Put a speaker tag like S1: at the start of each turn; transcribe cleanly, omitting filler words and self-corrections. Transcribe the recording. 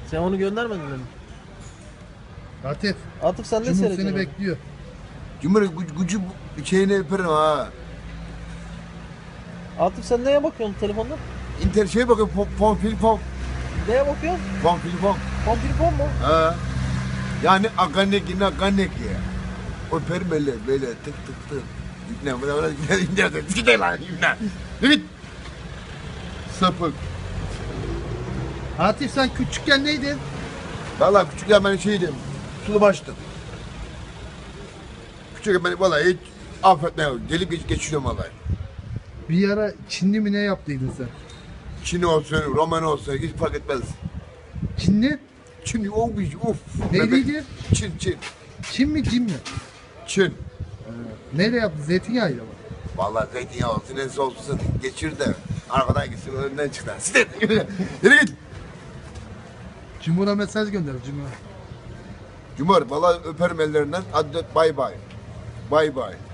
S1: Sen onu göndermedin mi?
S2: Atif.
S1: Atıf sen ne
S2: Cumhur
S1: seyrediyorsun?
S2: seni bekliyor.
S3: Cumhur gücü şeyini öperim ha.
S1: Atıf sen neye bakıyorsun telefonda?
S3: İnter şey bakıyor pom filipom.
S1: Neye bakıyorsun?
S3: Pom filipom.
S1: Kompilpon mu?
S3: Ha. Yani akanek ya. Öperim böyle tık tık tık. İbne bana İbne gide lan İbne. Git. Sapık.
S2: Atif sen küçükken neydin?
S3: Vallahi küçükken ben şeydim. Sulu baştım. Küçükken beni vallahi hiç affetme yok. Gelip geçiyorum vallahi.
S2: Bir ara Çinli mi ne yaptıydın sen?
S3: Çin olsun, Roman olsun hiç fark etmez.
S2: Çinli?
S3: Çin of.
S2: Neydiydi?
S3: Çin.
S2: Çin mi cin mi?
S3: Çin.
S2: Neyle yaptın? Zeytinyağıyla mı?
S3: Vallahi zeytinyağı olsun, neyse olsun. Geçir de arkadan gitsin, önden çık lan. Sizden. Yürü git.
S2: Cumhur'a mesaj gönder Cumhur'a.
S3: Cumhur, vallahi öperim ellerinden. Hadi bay bay. Bay bay.